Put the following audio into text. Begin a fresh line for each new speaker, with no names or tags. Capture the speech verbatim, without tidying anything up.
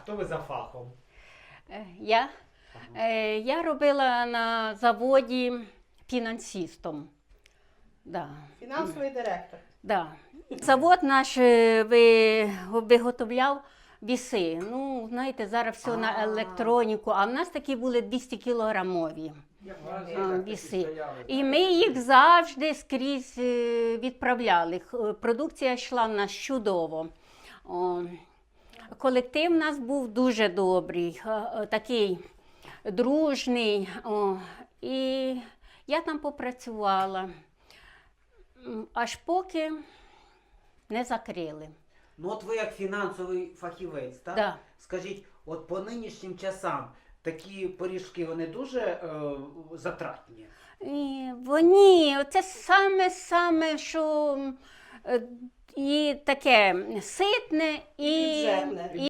хто ви за фахом?
Е, Я, Е, я робила на заводі фінансистом. Да.
Фінансовий директор.
Да. Завод наш е, ви, виготовляв віси. Ну, знаєте, зараз все на
А.
електроніку, а в нас такі були двісті кілограмові
Як
а,
морозилка такі
віси.
стояли,
І ми їх завжди скрізь е, відправляли. Х- Продукція йшла в нас чудово. О, колектив у нас був дуже добрий, е, е, такий дружний. О, і я там попрацювала, М, аж поки не закрили.
Ну от ви як фінансовий фахівець, так?
Да.
Скажіть, от по нинішнім часам такі пиріжки, вони дуже е, затратні?
І вони, це саме-саме, що е, і таке ситне, і,
Бюджетне.
і